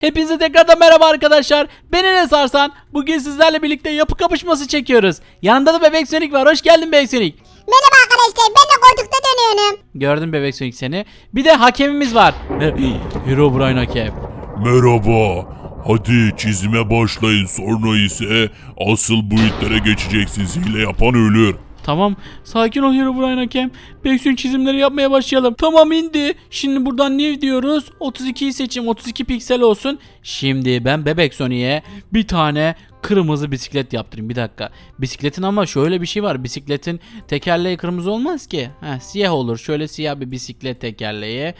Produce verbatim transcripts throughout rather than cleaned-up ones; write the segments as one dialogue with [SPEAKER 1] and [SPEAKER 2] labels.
[SPEAKER 1] Hepinize tekrardan merhaba arkadaşlar. Ben Enes Arslan. Bugün sizlerle birlikte yapı kapışması çekiyoruz. Yanında da Bebek Sonic var. Hoş geldin Bebek Sonic.
[SPEAKER 2] Merhaba arkadaşlar, ben de koltukta dönüyorum.
[SPEAKER 1] Gördüm Bebek Sonic seni. Bir de hakemimiz var. Herobrine hakem.
[SPEAKER 3] Merhaba. Hadi çizime başlayın, sonra ise asıl boyutlara geçeceksiniz. Hile yapan ölür.
[SPEAKER 1] Tamam, sakin ol Herobrine hakem. Bebek Sonic çizimleri yapmaya başlayalım. Tamam, indi. Şimdi buradan ne diyoruz? otuz ikiyi seçim, otuz iki piksel olsun. Şimdi ben Bebek Sonic'e bir tane kırmızı bisiklet yaptırayım. Bir dakika. Bisikletin ama şöyle bir şey var. Bisikletin tekerleği kırmızı olmaz ki. Heh, siyah olur. Şöyle siyah bir bisiklet tekerleği.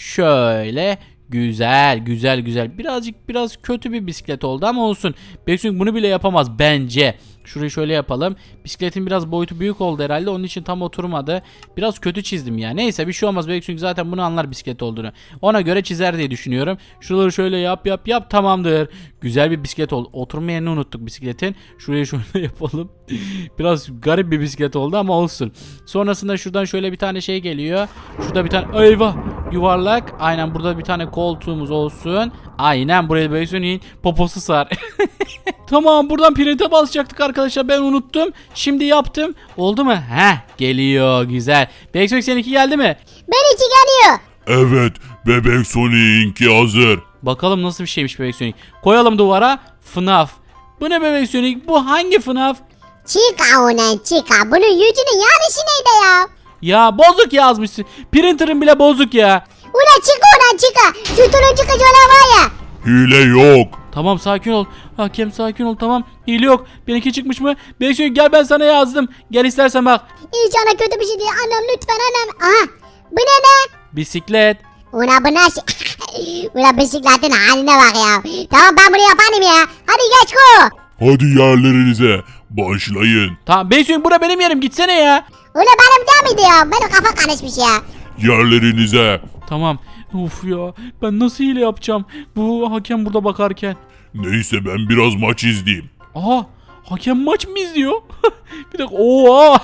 [SPEAKER 1] Şöyle güzel güzel güzel. Birazcık biraz kötü bir bisiklet oldu ama olsun. Bebek Sonic bunu bile yapamaz bence. Şurayı şöyle yapalım. Bisikletin biraz boyutu büyük oldu herhalde. Onun için tam oturmadı. Biraz kötü çizdim ya. Neyse bir şey olmaz. Bebek Sonic zaten bunu anlar bisiklet olduğunu. Ona göre çizer diye düşünüyorum. Şuraları şöyle yap yap yap. Tamamdır. Güzel bir bisiklet oldu. Oturma yerini unuttuk bisikletin. Şurayı şöyle yapalım. Biraz garip bir bisiklet oldu ama olsun. Sonrasında şuradan şöyle bir tane şey geliyor. Şurada bir tane eyvah yuvarlak. Aynen burada bir tane koltuğumuz olsun. Aynen buraya Bebek Sonic'in poposu sar. Tamam, buradan print'e basacaktık arkadaşlar, ben unuttum. Şimdi yaptım. Oldu mu? Heh, geliyor güzel. Bebek Sonic seninki geldi mi?
[SPEAKER 2] Ben içi geliyor.
[SPEAKER 3] Evet, Bebek Sonic'inki hazır.
[SPEAKER 1] Bakalım nasıl bir şeymiş Bebek Sonic. Koyalım duvara. F NAF. Bu ne Bebek Sonic? Bu hangi F NAF?
[SPEAKER 2] Chica ona chica. Bunun yüzünün yarısı neydi ya?
[SPEAKER 1] Ya bozuk yazmışsın. Printer'ın bile bozuk ya.
[SPEAKER 2] Ulan chica ona chica. Şu turun çıkıcı olan var ya.
[SPEAKER 3] Hile yok.
[SPEAKER 1] Tamam, sakin ol. Hakem sakin ol, tamam. Hile yok. Benimki çıkmış mı? Bebek Sonic gel, ben sana yazdım. Gel istersen bak.
[SPEAKER 2] İnşallah kötü bir şey değil. Anam lütfen anam. Aha. Bu ne ne?
[SPEAKER 1] Bisiklet.
[SPEAKER 2] Ulan bu nasıl? Ulan bisikletin haline bak ya. Tamam, ben bunu yaparım ya. Hadi geç ko.
[SPEAKER 3] Hadi yerlerinize başlayın.
[SPEAKER 1] Tamam Bebek Sonic, bura benim yerim, gitsene ya.
[SPEAKER 2] Ulan benim değil miydi ya? Benim kafa karışmış ya.
[SPEAKER 3] Yerlerinize.
[SPEAKER 1] Tamam. Uf ya, ben nasıl hile yapacağım bu hakem burada bakarken.
[SPEAKER 3] Neyse ben biraz maç izleyeyim.
[SPEAKER 1] Aha, hakem maç mı izliyor? Bir dakika, oha.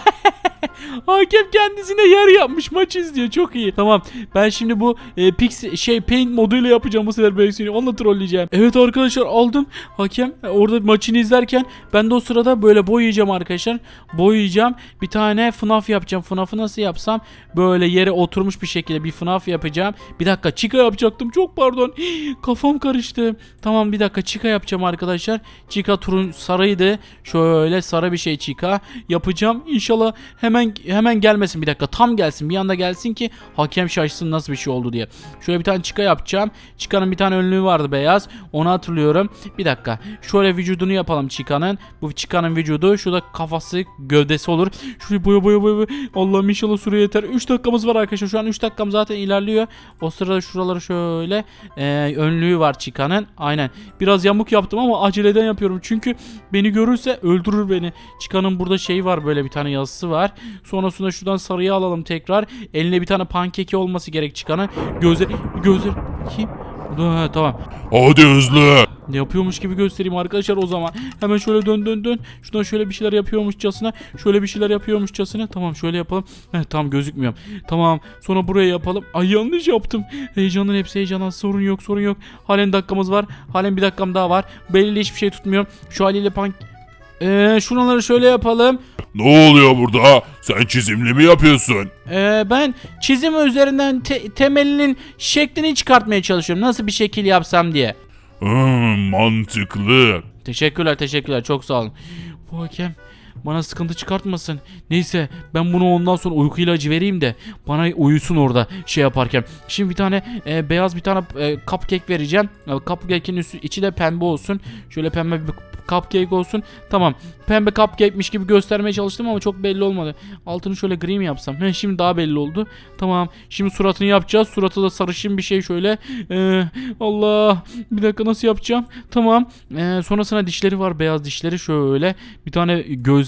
[SPEAKER 1] Hakem kendisine yer yapmış, maç izliyor, çok iyi. Tamam, ben şimdi bu e, pix şey paint moduyla yapacağım bu sefer Bebek Sonic'i, onunla trolleyeceğim. Evet arkadaşlar, aldım. Hakem e, orada maçını izlerken ben de o sırada böyle boyayacağım arkadaşlar. Boyayacağım, bir tane F NAF yapacağım. F NAF'ı nasıl yapsam, böyle yere oturmuş bir şekilde bir F NAF yapacağım. Bir dakika, Chica yapacaktım, çok pardon. Kafam karıştı. Tamam, bir dakika, Chica yapacağım arkadaşlar. Chica turun sarıydı. Şöyle sarı bir şey Chica yapacağım. İnşallah hemen hemen gelmesin, bir dakika, tam gelsin, bir anda gelsin ki hakem şaşsın nasıl bir şey oldu diye. Şöyle bir tane Chica yapacağım. Chica'nın bir tane önlüğü vardı beyaz, onu hatırlıyorum. Bir dakika, şöyle vücudunu yapalım Chica'nın. Bu Chica'nın vücudu, şurada kafası, gövdesi olur. Şurayı boya boya boya. Allah'ım inşallah süre yeter. üç dakikamız var arkadaşlar, şu an üç dakikam zaten ilerliyor. O sırada şuraları şöyle e, önlüğü var Chica'nın. Aynen, biraz yamuk yaptım ama aceleden yapıyorum çünkü beni görürse öldürür beni. Chica'nın burada şey var, böyle bir tane yazısı var. Sonrasında şuradan sarıyı alalım tekrar. Eline bir tane pankeki olması gerek Chica'nın. Gözler, gözler kim? Ha, tamam.
[SPEAKER 3] Hadi hızlı.
[SPEAKER 1] Ne yapıyormuş gibi göstereyim arkadaşlar o zaman. Hemen şöyle dön dön dön. Şuradan şöyle bir şeyler yapıyormuşçasına. Şöyle bir şeyler yapıyormuşçasına. Tamam, şöyle yapalım. Heh, tam gözükmüyorum. Tamam. Sonra buraya yapalım. Ay, yanlış yaptım. Heyecanın hepsi heyecandan. Sorun yok, sorun yok. Halen dakikamız var. Halen bir dakikam daha var. Belli hiçbir şey tutmuyorum. Şu haliyle pank... Eee şuraları şöyle yapalım.
[SPEAKER 3] Ne oluyor burada? Sen çizimli mi yapıyorsun?
[SPEAKER 1] Ee, ben çizim üzerinden te- temelinin şeklini çıkartmaya çalışıyorum. Nasıl bir şekil yapsam diye.
[SPEAKER 3] Hmm, mantıklı.
[SPEAKER 1] Teşekkürler teşekkürler, çok sağ olun. Bu hakem bana sıkıntı çıkartmasın. Neyse, ben bunu ondan sonra uyku ilacı vereyim de bana uyusun orada şey yaparken. Şimdi bir tane e, beyaz bir tane e, cupcake vereceğim. E, cupcake'in üstü, içi de pembe olsun. Şöyle pembe bir cupcake olsun. Tamam, pembe cupcake'miş gibi göstermeye çalıştım ama çok belli olmadı. Altını şöyle gri mi yapsam? He, şimdi daha belli oldu. Tamam, şimdi suratını yapacağız. Suratı da sarışın bir şey şöyle. Ee, Allah, bir dakika, nasıl yapacağım? Tamam. Ee, sonrasında dişleri var, beyaz dişleri şöyle. Bir tane göz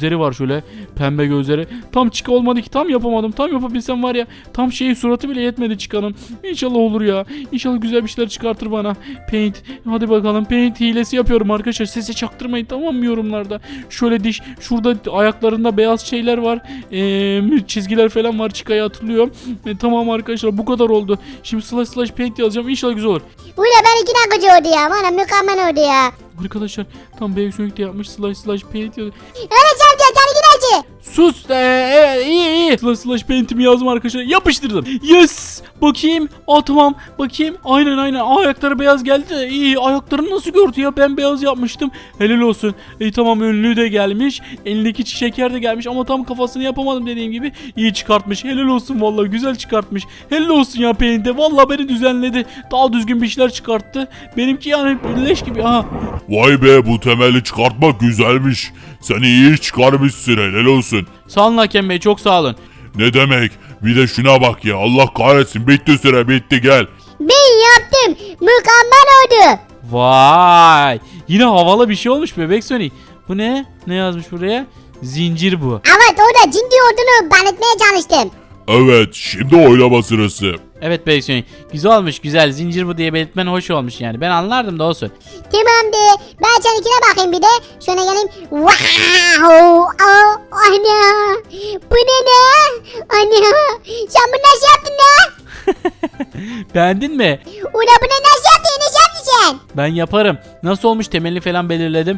[SPEAKER 1] gözleri var şöyle. Pembe gözleri. Tam Chica olmadı ki, tam yapamadım. Tam yapabilsem var ya, tam şeyi suratı bile yetmedi Chica'nın. İnşallah olur ya. İnşallah güzel bir şeyler çıkartır bana. Paint. Hadi bakalım, paint hilesi yapıyorum arkadaşlar. Sesi çaktırmayın tamam mı yorumlarda. Şöyle diş, şurada ayaklarında beyaz şeyler var. Ee, çizgiler falan var, Chica'yı hatırlıyorum. E, tamam arkadaşlar, bu kadar oldu. Şimdi slash slash paint yazacağım. İnşallah güzel olur.
[SPEAKER 2] Ula ben iki dakika oldu ya. Bana mükemmel oldu ya.
[SPEAKER 1] Arkadaşlar tam Bebek Sonic de yapmış, slash slash paint yazıyor.
[SPEAKER 2] Öyle amca sen gideceksin.
[SPEAKER 1] Sus. Ee, evet, iyi iyi. Slash slash paint'imi yazdım arkadaşlar. Yapıştırdım. Yes. Bakayım. Aa tamam. Bakayım. Aynen aynen. Aa, ayakları beyaz geldi. İyi. Ayaklarını nasıl gördü ya? Ben beyaz yapmıştım. Helal olsun. İyi tamam, önlüğü de gelmiş. Elindeki şeker de gelmiş ama tam kafasını yapamadım dediğim gibi. İyi çıkartmış. Helal olsun vallahi, güzel çıkartmış. Helal olsun ya paint'e. Vallahi beni düzenledi. Daha düzgün bir şeyler çıkarttı. Benimki yani leş gibi. Aha.
[SPEAKER 3] Vay be, bu temeli çıkartmak güzelmiş. Sen iyi çıkarmışsın, helal olsun.
[SPEAKER 1] Sağ olun Hakem Bey, çok sağ olun.
[SPEAKER 3] Ne demek? Bir de şuna bak ya, Allah kahretsin, bitti süre, bitti, gel.
[SPEAKER 2] Ben yaptım. Mükemmel oldu.
[SPEAKER 1] Vay. Yine havalı bir şey olmuş Bebek Sonic. Bu ne? Ne yazmış buraya? Zincir bu.
[SPEAKER 2] Evet o da ciddi olduğunu belirtmeye çalıştım.
[SPEAKER 3] Evet, şimdi oylama sırası.
[SPEAKER 1] Evet Bebek Sonic. Güzel olmuş, güzel. Zincir bu diye belirtmen hoş olmuş yani. Ben anlardım da olsun.
[SPEAKER 2] Tamamdır. Ben seninkine bakayım bir de. Şöyle geleyim. Wow. Oh, ana. Bu ne ne? Ana. Sen bunu nasıl yaptın ne?
[SPEAKER 1] Beğendin mi?
[SPEAKER 2] Ula bunu nasıl yaptın? Nasıl yaptın sen?
[SPEAKER 1] Ben yaparım. Nasıl olmuş, temelini falan belirledim.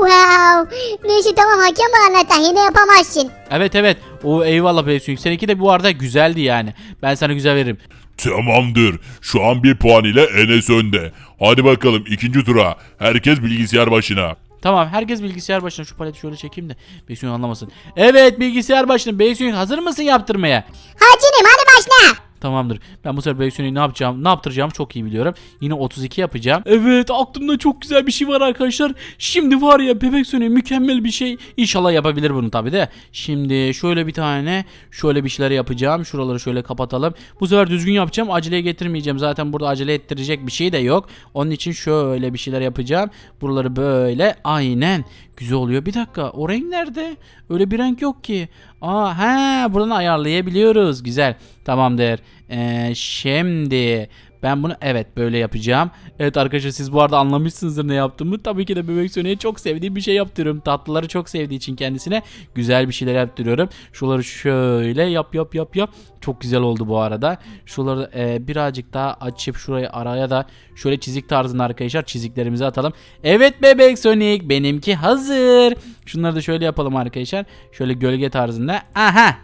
[SPEAKER 2] Wow. Neyse tamam hakem var anlatan. Yine yapamazsın.
[SPEAKER 1] Evet evet. O eyvallah Bebek Sonic. Seninki de bu arada güzeldi yani. Ben sana güzel veririm.
[SPEAKER 3] Tamamdır. Şu an bir puan ile Enes önde. Hadi bakalım ikinci tura. Herkes bilgisayar başına.
[SPEAKER 1] Tamam, herkes bilgisayar başına. Şu paleti şöyle çekeyim de Bebek Sonic anlamasın. Evet, bilgisayar başına. Bebek Sonic hazır mısın yaptırmaya?
[SPEAKER 2] Hacı'nım hadi başla.
[SPEAKER 1] Tamamdır. Ben bu sefer Bebek Sonic'i ne yapacağım, ne yaptıracağım çok iyi biliyorum. Yine otuz iki yapacağım. Evet, aklımda çok güzel bir şey var arkadaşlar. Şimdi var ya, Bebek Sonic mükemmel bir şey. İnşallah yapabilir bunu tabi de. Şimdi şöyle bir tane, şöyle bir şeyler yapacağım. Şuraları şöyle kapatalım. Bu sefer düzgün yapacağım. Aceleye getirmeyeceğim. Zaten burada acele ettirecek bir şey de yok. Onun için şöyle bir şeyler yapacağım. Buraları böyle, aynen. Güzel oluyor. Bir dakika, o renk nerede? Öyle bir renk yok ki. Aa, he, buradan ayarlayabiliyoruz. Güzel. Tamamdır. Ee, şimdi ben bunu evet böyle yapacağım. Evet arkadaşlar, siz bu arada anlamışsınızdır ne yaptığımı. Tabii ki de Bebek Sonic'e çok sevdiğim bir şey yaptırıyorum. Tatlıları çok sevdiği için kendisine güzel bir şeyler yaptırıyorum. Şuraları şöyle yap yap yap yap. Çok güzel oldu bu arada. Şuraları e, birazcık daha açıp şurayı araya da şöyle çizik tarzında arkadaşlar çiziklerimizi atalım. Evet Bebek Sonic, benimki hazır. Şunları da şöyle yapalım arkadaşlar. Şöyle gölge tarzında. Aha.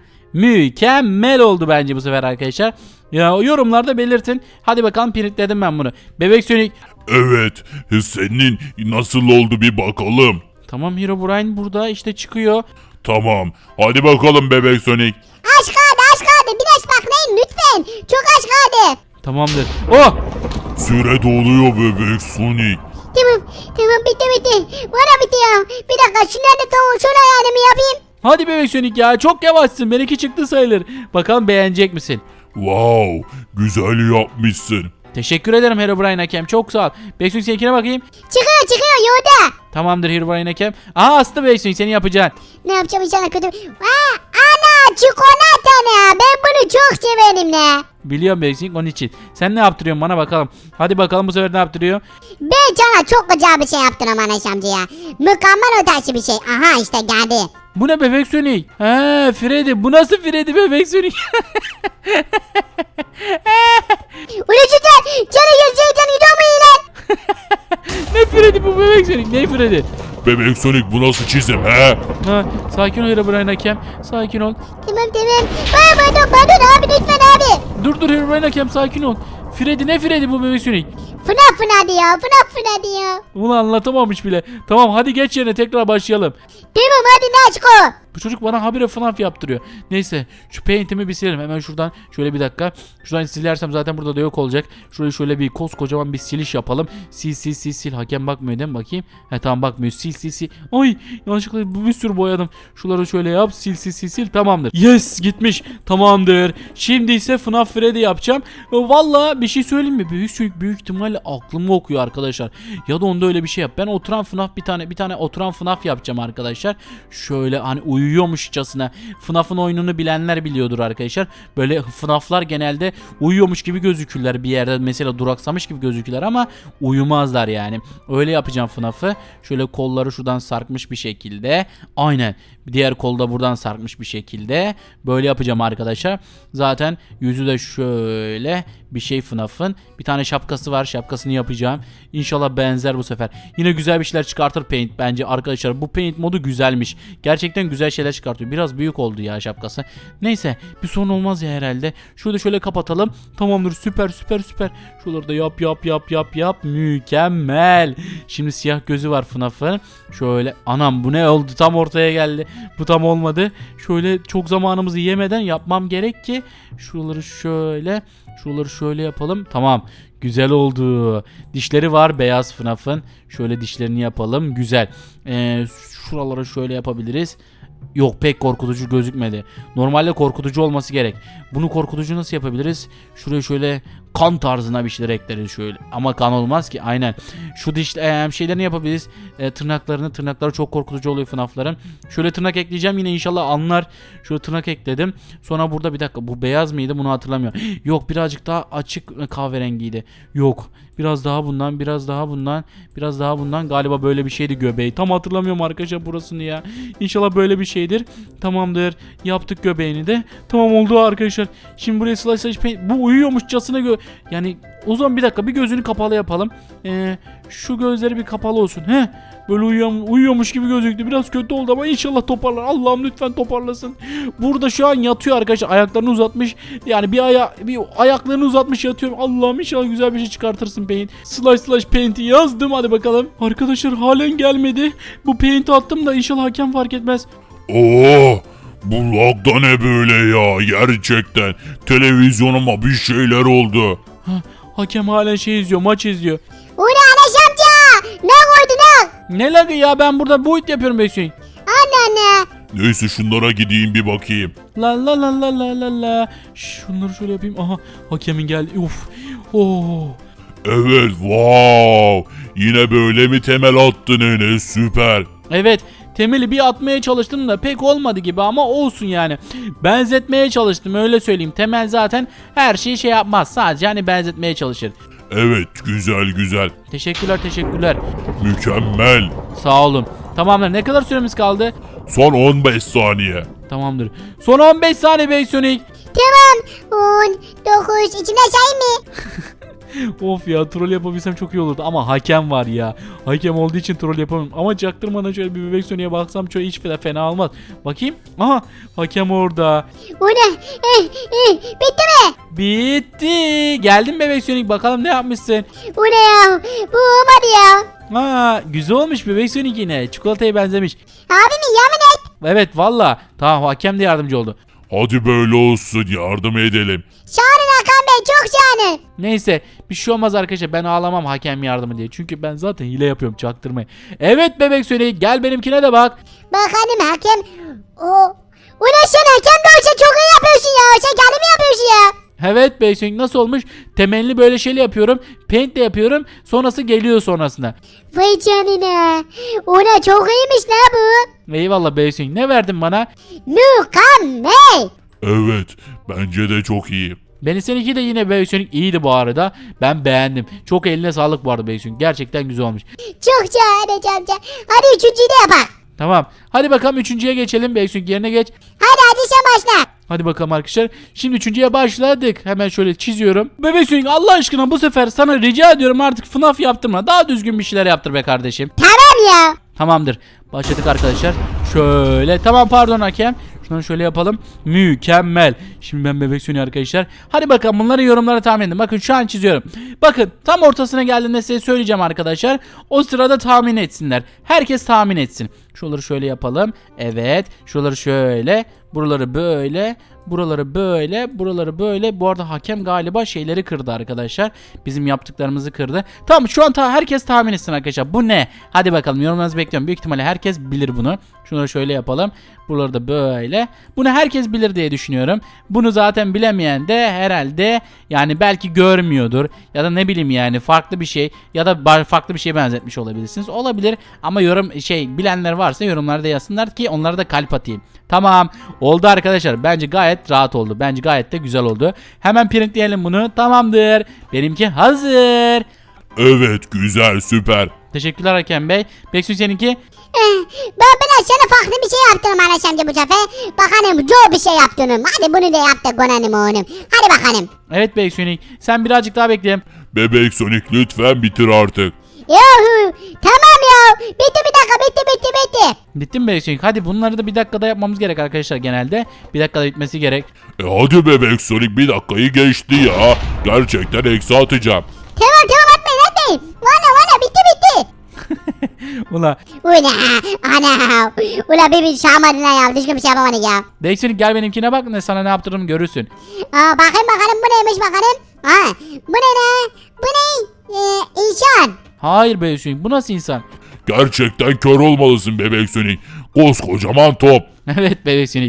[SPEAKER 1] Mükemmel oldu bence bu sefer arkadaşlar. Ya yorumlarda belirtin. Hadi bakalım, printledim ben bunu. Bebek Sonic.
[SPEAKER 3] Evet, senin nasıl oldu bir bakalım.
[SPEAKER 1] Tamam, Herobrine burada işte çıkıyor.
[SPEAKER 3] Tamam, hadi bakalım Bebek Sonic.
[SPEAKER 2] Az kaldı az kaldı. Biraz baklayın lütfen. Çok az kaldı.
[SPEAKER 1] Tamamdır. Oh!
[SPEAKER 3] Süre doluyor Bebek Sonic.
[SPEAKER 2] Tamam tamam bitti bitti. Bana bitti ya. Bir dakika şunları da tamam şöyle ayarımı yapayım.
[SPEAKER 1] Hadi Bebek Sonic ya, çok yavaşsın. Benimki çıktı sayılır. Bakalım beğenecek misin?
[SPEAKER 3] Wow, güzel yapmışsın.
[SPEAKER 1] Teşekkür ederim Herobrine hakem. Çok sağ ol. Bebek Sonic seninkine bakayım.
[SPEAKER 2] Çıkıyor çıkıyor yolda.
[SPEAKER 1] Tamamdır Herobrine hakem. Aha, astı Bebek Sonic, seni yapacaksın.
[SPEAKER 2] Ne yapacağım inşallah kötü. Aa, ana çikolata ne? Ben bunu çok severim ne?
[SPEAKER 1] Biliyorum Bebek Sonic, onun için. Sen ne yaptırıyorsun bana bakalım. Hadi bakalım bu sefer ne yaptırıyor?
[SPEAKER 2] Ben sana çok güzel bir şey yaptım ama Enes amca ya. Mükemmel ötesi bir şey. Aha işte geldi.
[SPEAKER 1] Bu ne Bebek Sonic? He, Freddy. Bu nasıl Freddy Bebek Sonic?
[SPEAKER 2] Ulaşıcı canı gözü canı gidiyor mu yine?
[SPEAKER 1] Ne Freddy bu Bebek Sonic? Ne Freddy?
[SPEAKER 3] Bebek Sonic, bu nasıl çizim he?
[SPEAKER 1] Ha, sakin ol Herobrine hakem. Sakin ol.
[SPEAKER 2] Tamam tamam. Bana pardon pardon abi lütfen abi.
[SPEAKER 1] Dur dur Herobrine hakem, sakin ol. Freddy ne Freddy bu Bebek Sonic?
[SPEAKER 2] Fınak fınak diyor fınak fınak diyor.
[SPEAKER 1] Bunu anlatamamış bile. Tamam, hadi geç yerine, tekrar başlayalım.
[SPEAKER 2] Tamam hadi Naçko.
[SPEAKER 1] Bu çocuk bana habire FNAF yaptırıyor. Neyse şu paint'imi bir silelim. Hemen şuradan şöyle bir dakika. Şuradan silersem zaten burada da yok olacak. Şurayı şöyle bir koskocaman bir siliş yapalım. Sil sil sil sil. Hakem bakmıyor değil mi? Bakayım. He tamam bakmıyor. Sil sil sil. Ay yanlışlıkla bir sürü boyadım. Şuları şöyle yap. Sil sil sil sil. Tamamdır. Yes gitmiş. Tamamdır. Şimdi ise FNAF Freddy yapacağım. Valla bir şey söyleyeyim mi? Büyük büyük, büyük ihtimalle aklımı okuyor arkadaşlar. Ya da onda öyle bir şey yap. Ben oturan FNAF bir tane bir tane oturan FNAF yapacağım arkadaşlar. Şöyle hani uyuyormuşçasına. FNAF'ın oyununu bilenler biliyordur arkadaşlar. Böyle FNAF'lar genelde uyuyormuş gibi gözükürler bir yerde. Mesela duraksamış gibi gözükürler ama uyumazlar yani. Öyle yapacağım FNAF'ı. Şöyle kolları şuradan sarkmış bir şekilde. Aynen. Diğer kolda buradan sarkmış bir şekilde. Böyle yapacağım arkadaşlar. Zaten yüzü de şöyle bir şey FNAF'ın. Bir tane şapkası var. Şapkasını yapacağım. İnşallah benzer bu sefer. Yine güzel bir şeyler çıkartır Paint bence arkadaşlar. Bu Paint modu güzelmiş. Gerçekten güzel şeyler çıkartıyor. Biraz büyük oldu ya şapkası. Neyse bir sorun olmaz ya herhalde. Şurada şöyle kapatalım. Tamamdır süper süper süper. Şuraları da yap yap yap yap yap. Mükemmel. Şimdi siyah gözü var FNAF'ın. Şöyle anam bu ne oldu tam ortaya geldi. Bu tam olmadı. Şöyle çok zamanımızı yemeden yapmam gerek ki şuraları şöyle şuraları şöyle yapalım. Tamam. Güzel oldu. Dişleri var beyaz FNAF'ın. Şöyle dişlerini yapalım. Güzel. Ee, şuraları şöyle yapabiliriz. Yok pek korkutucu gözükmedi. Normalde korkutucu olması gerek. Bunu korkutucu nasıl yapabiliriz? Şuraya şöyle kan tarzına bir şeyler ekleriz şöyle. Ama kan olmaz ki aynen. Şu diş e, şeylerini yapabiliriz. E, tırnaklarını tırnakları çok korkutucu oluyor FNAF'ların. Şöyle tırnak ekleyeceğim yine inşallah anlar. Şöyle tırnak ekledim. Sonra burada bir dakika bu beyaz mıydı bunu hatırlamıyorum. Yok birazcık daha açık kahverengiydi. Yok. Biraz daha bundan, biraz daha bundan, biraz daha bundan. Galiba böyle bir şeydi göbeği. Tam hatırlamıyorum arkadaşlar burasını ya. İnşallah böyle bir şeydir. Tamamdır. Yaptık göbeğini de. Tamam oldu arkadaşlar. Şimdi buraya slash slash paint. Bu uyuyormuşçasına gö... Yani o zaman bir dakika bir gözünü kapalı yapalım. Ee, şu gözleri bir kapalı olsun. Heh. Böyle uyuyor, uyuyormuş gibi gözüktü. Biraz kötü oldu ama inşallah toparlar. Allah'ım lütfen toparlasın. Burada şu an yatıyor arkadaşlar. Ayaklarını uzatmış. Yani bir aya bir ayaklarını uzatmış yatıyor. Allah'ım inşallah güzel bir şey çıkartırsın Paint. Slash slash Paint'i yazdım hadi bakalım. Arkadaşlar halen gelmedi. Bu Paint'i attım da inşallah hakem fark etmez.
[SPEAKER 3] Oo, bu lagda ne böyle ya gerçekten. Televizyonuma bir şeyler oldu.
[SPEAKER 1] Ha, hakem halen şey izliyor, maç izliyor.
[SPEAKER 2] O ne Anaş amca? Ne koydu ne?
[SPEAKER 1] Ne lagı ya ben burada boyut yapıyorum Beksoy.
[SPEAKER 2] Anne anne.
[SPEAKER 3] Neyse şunlara gideyim bir bakayım.
[SPEAKER 1] La la la la la la la. Şunları şöyle yapayım. Aha hakemin geldi. Uf. Oo.
[SPEAKER 3] Evet wow. Yine böyle mi temel attın Enes süper.
[SPEAKER 1] Evet. Temeli bir atmaya çalıştım da pek olmadı gibi ama olsun yani. Benzetmeye çalıştım öyle söyleyeyim. Temel zaten her şeyi şey yapmaz. Sadece hani benzetmeye çalışır.
[SPEAKER 3] Evet güzel güzel.
[SPEAKER 1] Teşekkürler teşekkürler.
[SPEAKER 3] Mükemmel.
[SPEAKER 1] Sağ olun. Tamamdır. Ne kadar süremiz kaldı?
[SPEAKER 3] Son on beş saniye.
[SPEAKER 1] Tamamdır. Son on beş saniye Beysonik.
[SPEAKER 2] Tamam. on dokuz içine say mı?
[SPEAKER 1] Of ya troll yapabilsem çok iyi olurdu ama hakem var ya. Hakem olduğu için troll yapamam. Ama çaktırmadan şöyle bir bebek Sonic'e baksam şöyle hiç fena olmaz. Bakayım. Aha hakem orada.
[SPEAKER 2] O ne? Eh, eh, bitti mi?
[SPEAKER 1] Bitti. Geldin bebek Sonic bakalım ne yapmışsın.
[SPEAKER 2] O ne ya? Bu olmadı ya.
[SPEAKER 1] Ha güzel olmuş bebek Sonic yine. Çikolataya benzemiş.
[SPEAKER 2] Abimi yemin et.
[SPEAKER 1] Evet valla. Tamam hakem de yardımcı oldu.
[SPEAKER 3] Hadi böyle olsun yardım edelim.
[SPEAKER 2] Şahanın Hakan Bey çok şahane.
[SPEAKER 1] Neyse bir şey olmaz arkadaşlar ben ağlamam hakem yardımı diye. Çünkü ben zaten hile yapıyorum çaktırmayı. Evet bebek Sonic gel benimkine de bak.
[SPEAKER 2] Bakalım hakem. O. O ne sen hakem de olsa çok iyi yapıyorsun ya. Sen kendin mi yapıyorsun ya?
[SPEAKER 1] Evet bebek Sonic nasıl olmuş? Temelli böyle şeyle yapıyorum. Paint de yapıyorum. Sonrası geliyor sonrasında.
[SPEAKER 2] Vay canına. O ne çok iyiymiş la bu.
[SPEAKER 1] Eyvallah bebek Sonic ne verdin bana?
[SPEAKER 2] Mükemmel.
[SPEAKER 3] Evet bence de çok iyi.
[SPEAKER 1] Beni seninki de yine bebek Sonic iyiydi bu arada. Ben beğendim. Çok eline sağlık bu arada bebek Sonic. Gerçekten güzel olmuş.
[SPEAKER 2] Çok şahane amca. Hadi üçüncüyü de yapalım.
[SPEAKER 1] Tamam. Hadi bakalım üçüncüye geçelim. Bebek Sonic yerine geç.
[SPEAKER 2] Hadi hadi sen başla.
[SPEAKER 1] Hadi bakalım arkadaşlar. Şimdi üçüncüye başladık. Hemen şöyle çiziyorum. Bebek Sonic Allah aşkına bu sefer sana rica ediyorum artık FNAF yaptırma. Daha düzgün bir şeyler yaptır be kardeşim.
[SPEAKER 2] Tamam ya.
[SPEAKER 1] Tamamdır. Başladık arkadaşlar. Şöyle. Tamam pardon hakem. Şunu şöyle yapalım. Mükemmel. Şimdi ben bebek Sonic arkadaşlar. Hadi bakalım bunları yorumlara tahmin edin. Bakın şu an çiziyorum. Bakın tam ortasına geldiğinde size söyleyeceğim arkadaşlar. O sırada tahmin etsinler. Herkes tahmin etsin. Şuraları şöyle yapalım. Evet. Şuraları şöyle. Buraları böyle. Buraları böyle. Buraları böyle. Bu arada hakem galiba şeyleri kırdı arkadaşlar. Bizim yaptıklarımızı kırdı. Tamam şu an ta herkes tahmin etsin arkadaşlar. Bu ne? Hadi bakalım yorumlarınızı bekliyorum. Büyük ihtimalle herkes bilir bunu. Şunları şöyle yapalım. Buraları da böyle. Bunu herkes bilir diye düşünüyorum. Bunu zaten bilemeyen de herhalde yani belki görmüyordur. Ya da ne bileyim yani farklı bir şey. Ya da farklı bir şeye benzetmiş olabilirsiniz. Olabilir ama yorum şey bilenler varsa yorumlarda yazsınlar ki onlara da kalp atayım. Tamam. Oldu arkadaşlar. Bence gayet rahat oldu. Bence gayet de güzel oldu. Hemen printleyelim bunu. Tamamdır. Benimki hazır.
[SPEAKER 3] Evet güzel süper.
[SPEAKER 1] Teşekkürler Hakem Bey. Beksu seninki?
[SPEAKER 2] Eh, ben ben sana farklı bir şey yaptım Anaş amca bu sefer. Bakalım zor bir şey yaptım. Hadi bunu da yaptık konanım oğlum. Hadi bakalım.
[SPEAKER 1] Evet Beksu sen birazcık daha bekle.
[SPEAKER 3] Bebek Sonic lütfen bitir artık.
[SPEAKER 2] Yahu tamam ya. Bitti bir dakika bitti bitti bitti.
[SPEAKER 1] Bitti mi Beksu? Hadi bunları da bir dakikada yapmamız gerek arkadaşlar genelde. Bir dakikada bitmesi gerek.
[SPEAKER 3] E hadi Bebek Sonic bir dakikayı geçti ya. Gerçekten eksi atacağım.
[SPEAKER 2] Tamam tamam atmayın atmayın. Valla valla bitti bitti.
[SPEAKER 1] Ula.
[SPEAKER 2] Ula ana. Ula bir bir şamadın ya. Düzgün bir şey yapamadık ya.
[SPEAKER 1] Beksu gel benimkine bak ne sana ne yaptırırım görürsün.
[SPEAKER 2] Aa, bakayım bakalım bu neymiş bakalım. Ha, bu ne ne? Bu ne? Ee, insan.
[SPEAKER 1] Hayır Beksu bu nasıl insan?
[SPEAKER 3] Gerçekten kör olmalısın Bebek Sonic. Koskocaman top.
[SPEAKER 1] Evet Beksu.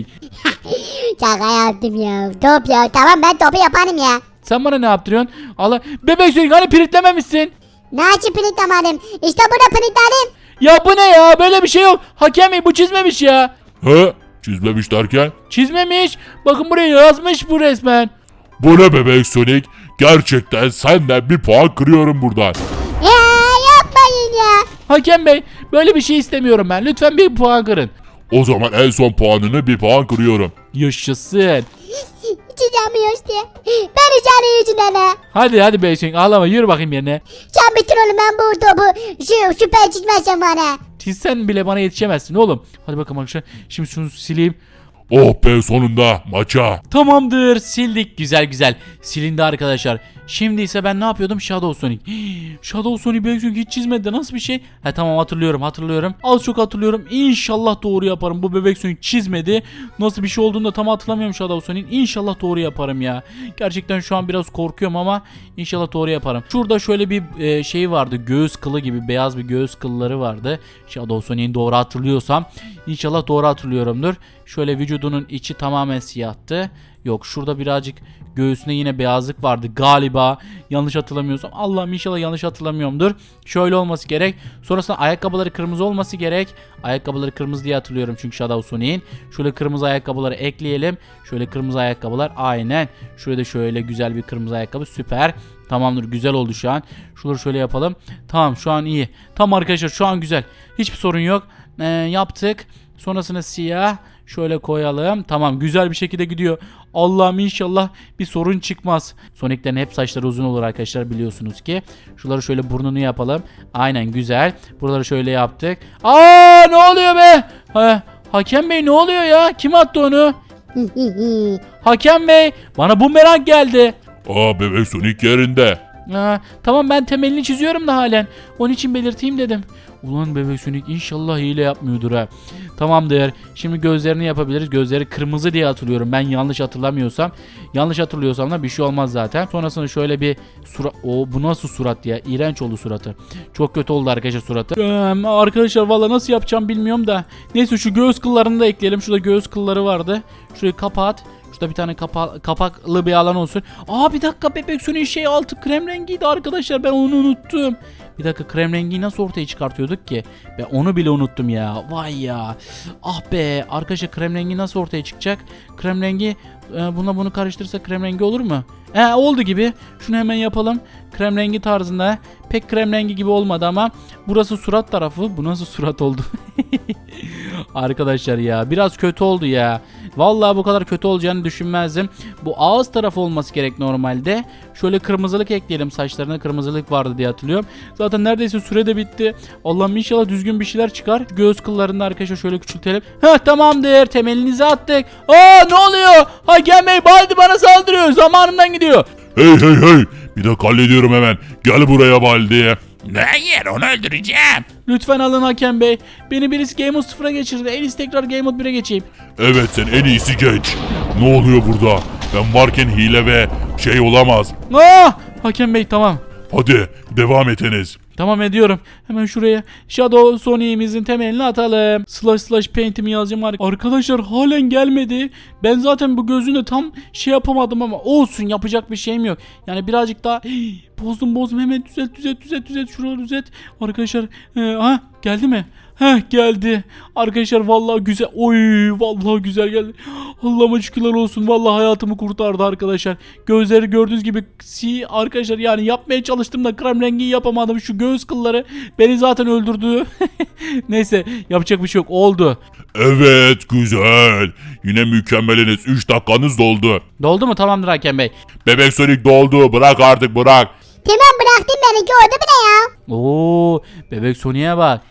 [SPEAKER 2] Şaka yaptım ya. Top ya. Tamam ben topu yaparım ya.
[SPEAKER 1] Sen bana ne yaptırıyorsun? Allah. Beksu hani pritlememişsin.
[SPEAKER 2] Ne açıp printlamadım. İşte burada printledim.
[SPEAKER 1] Ya bu ne ya? Böyle bir şey yok. Hakem Bey bu çizmemiş ya.
[SPEAKER 3] He? Çizmemiş derken?
[SPEAKER 1] Çizmemiş. Bakın buraya yazmış bu resmen.
[SPEAKER 3] Bu ne Bebek Sonic? Gerçekten senden bir puan kırıyorum buradan.
[SPEAKER 2] Ya yapmayın ya.
[SPEAKER 1] Hakem Bey böyle bir şey istemiyorum ben. Lütfen bir puan kırın.
[SPEAKER 3] O zaman en son puanını bir puan kırıyorum.
[SPEAKER 1] Yaşasın.
[SPEAKER 2] Çizemiyor işte. Ben içeri yüzünden ha.
[SPEAKER 1] Hadi hadi Beysun ağlama yürü bakayım yerine.
[SPEAKER 2] Sen bitir oğlum ben bu topu şu süper çizmezsen bana.
[SPEAKER 1] Çizsen bile bana yetişemezsin oğlum. Hadi bakalım arkadaşlar. Şimdi şunu sileyim.
[SPEAKER 3] Oh be sonunda maça.
[SPEAKER 1] Tamamdır sildik güzel güzel. Silindi arkadaşlar. Şimdi ise ben ne yapıyordum? Shadow Sonic. Hii, Shadow Sonic Beksun hiç çizmedi. Nasıl bir şey? He tamam hatırlıyorum hatırlıyorum. Az çok hatırlıyorum. İnşallah doğru yaparım. Bu bebek Sonic çizmedi. Nasıl bir şey olduğunu da tam hatırlamıyorum Shadow Sonic. İnşallah doğru yaparım ya. Gerçekten şu an biraz korkuyorum ama inşallah doğru yaparım. Şurada şöyle bir e, şey vardı. Göğüs kılı gibi beyaz bir göğüs kılları vardı. Shadow Sonic'in doğru hatırlıyorsam. İnşallah doğru hatırlıyorumdur. Şöyle vücudunun içi tamamen siyahtı. Yok şurada birazcık göğsünde yine beyazlık vardı galiba. Yanlış hatırlamıyorsam. Allah'ım inşallah yanlış hatırlamıyorumdur. Şöyle olması gerek. Sonrasında ayakkabıları kırmızı olması gerek. Ayakkabıları kırmızı diye hatırlıyorum çünkü Shadow Sonic'in. Şöyle kırmızı ayakkabıları ekleyelim. Şöyle kırmızı ayakkabılar aynen. Şurada şöyle güzel bir kırmızı ayakkabı süper. Tamamdır güzel oldu şu an. Şuraları şöyle yapalım. Tamam şu an iyi. Tamam arkadaşlar şu an güzel. Hiçbir sorun yok. Ee, yaptık. Sonrasında siyah. Şöyle koyalım. Tamam güzel bir şekilde gidiyor. Allah'ım inşallah bir sorun çıkmaz. Sonic'lerin hep saçları uzun olur arkadaşlar biliyorsunuz ki. Şuraları şöyle burnunu yapalım. Aynen güzel. Buraları şöyle yaptık. Aa ne oluyor be? Ha, Hakem Bey ne oluyor ya? Kim attı onu? Hakem Bey bana bumerang geldi.
[SPEAKER 3] Aa Bebek Sonic yerinde.
[SPEAKER 1] Aa, tamam ben temelini çiziyorum da halen. Onun için belirteyim dedim. Ulan bebek Sonic inşallah hile yapmıyordur ha. Tamamdır. Şimdi gözlerini yapabiliriz. Gözleri kırmızı diye hatırlıyorum. Ben yanlış hatırlamıyorsam. Yanlış hatırlıyorsam da bir şey olmaz zaten. Sonrasında şöyle bir surat. O bu nasıl surat ya? İğrenç oldu suratı. Çok kötü oldu arkadaşlar suratı. Ee, arkadaşlar valla nasıl yapacağım bilmiyorum da. Neyse şu göğüs kıllarını da ekleyelim. Şurada göğüs kılları vardı. Şurayı kapat. Şurada bir tane kapa kapaklı bir alan olsun. Aa bir dakika bebek Sonic'in şey altı krem rengiydi arkadaşlar. Ben onu unuttum. Bir dakika krem rengi nasıl ortaya çıkartıyorduk ki? Ben onu bile unuttum ya. Vay ya. Ah be. Arkadaşlar krem rengi nasıl ortaya çıkacak? Krem rengi e, bununla bunu karıştırırsa krem rengi olur mu? He oldu gibi. Şunu hemen yapalım. Krem rengi tarzında. Pek krem rengi gibi olmadı ama burası surat tarafı. Bu nasıl surat oldu? Arkadaşlar ya biraz kötü oldu ya. Vallahi bu kadar kötü olacağını düşünmezdim. Bu ağız tarafı olması gerek normalde. Şöyle kırmızılık ekleyelim. Saçlarına kırmızılık vardı diye hatırlıyorum. Zaten neredeyse süre de bitti. Allah'ım inşallah düzgün bir şeyler çıkar. Göğüs kıllarını arkadaşlar şöyle küçültelim. Heh, tamamdır. Temelinizi attık. Aa, ne oluyor? Hakem Bey, Baldi bana saldırıyor. Zamanımdan gidiyor.
[SPEAKER 3] Hey hey hey. Bir dakika hallediyorum hemen. Gel buraya Baldi.
[SPEAKER 4] Hayır, onu öldüreceğim.
[SPEAKER 1] Lütfen alın Hakem Bey. Beni birisi Game Mode sıfıra geçirdi. En iyisi tekrar Game Mode bire geçeyim.
[SPEAKER 3] Evet, sen en iyisi geç. Ne oluyor burada? Ben varken hile ve şey olamaz.
[SPEAKER 1] Aa! Hakem Bey, tamam.
[SPEAKER 3] Hadi devam etiniz.
[SPEAKER 1] Tamam, ediyorum. Hemen şuraya Shadow Sonic'imizin temelini atalım. Slash slash paint'imi yazacağım. Arkadaşlar halen gelmedi. Ben zaten bu gözünü tam şey yapamadım ama olsun, yapacak bir şeyim yok. Yani birazcık daha Hii, bozdum bozdum, hemen düzelt düzelt düzelt düzelt şuraları düzelt. Arkadaşlar e, ha geldi mi? Heh, geldi. Arkadaşlar vallahi güzel. Oy, vallahi güzel geldi. Allah'ıma şükürler olsun. Vallahi hayatımı kurtardı arkadaşlar. Gözleri gördüğünüz gibi si arkadaşlar, yani yapmaya çalıştım da krem rengi yapamadım. Şu göğüs kılları beni zaten öldürdü. Neyse, yapacak bir şey yok. Oldu.
[SPEAKER 3] Evet, güzel. Yine mükemmeliniz. üç dakikanız doldu.
[SPEAKER 1] Doldu mu? Tamamdır Hakem Bey.
[SPEAKER 3] Bebek Sonic doldu. Bırak artık, bırak.
[SPEAKER 2] Tamam, bıraktım beni, gördü bile ya.
[SPEAKER 1] Oo, bebek Sonic'e bak.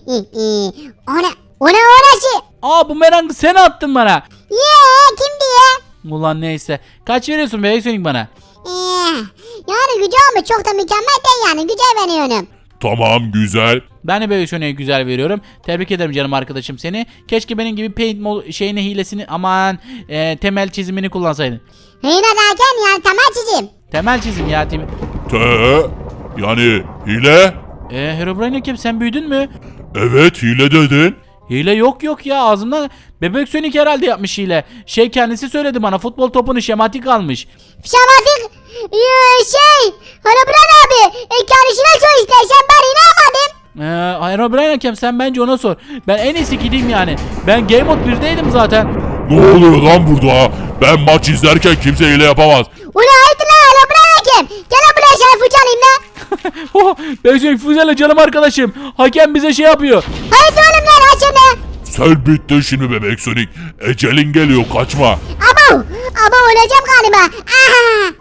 [SPEAKER 2] ona, ona orası.
[SPEAKER 1] Aa, bu merangı sen attın bana.
[SPEAKER 2] Yee, kim diye?
[SPEAKER 1] Ulan neyse. Kaç veriyorsun bebek Sonic bana?
[SPEAKER 2] Ee, yani güzel ama çok da mükemmel değil, yani güzel veriyorum.
[SPEAKER 3] Tamam, güzel.
[SPEAKER 1] Ben de bebek Sonic'e güzel veriyorum. Tebrik ederim canım arkadaşım seni. Keşke benim gibi paint mod şeyini, hilesini, aman e, temel çizimini kullansaydın.
[SPEAKER 2] Yine derken yani temel çizim.
[SPEAKER 1] Temel çizim ya tim.
[SPEAKER 3] Te yani hile?
[SPEAKER 1] Eee Herobrine kim, sen büyüdün mü?
[SPEAKER 3] Evet, hile dedin.
[SPEAKER 1] Hile yok yok ya, ağzımdan bebek Sonic herhalde yapmış hile. Şey, kendisi söyledi bana, futbol topunu şematik almış.
[SPEAKER 2] Şamatik ee, şey Harabran abi e, kardeşine sor istersen, ben inanmadım.
[SPEAKER 1] Eee Herobrine kim, sen bence ona sor. Ben en iyisi gideyim yani. Ben Game Mode birdeydim zaten.
[SPEAKER 3] Ne oluyor lan burada? Ben maç izlerken kimse hile yapamaz.
[SPEAKER 2] Ula haydi lan Harabran hakem. Gel lan buraya, şerif uçalayım lan.
[SPEAKER 1] Oh, bebek Sonic füzeyle canım arkadaşım. Hakem bize şey yapıyor.
[SPEAKER 2] Haydi oğlum lan, aç şunu.
[SPEAKER 3] Sen bittin şimdi Bebek Sonic. Ecelin geliyor, kaçma.
[SPEAKER 2] Abo, abo öleceğim galiba. Aha.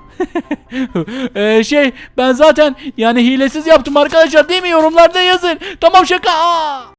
[SPEAKER 1] Eee şey, ben zaten yani hilesiz yaptım arkadaşlar, değil mi? Yorumlarda yazın. Tamam, şaka. Aa!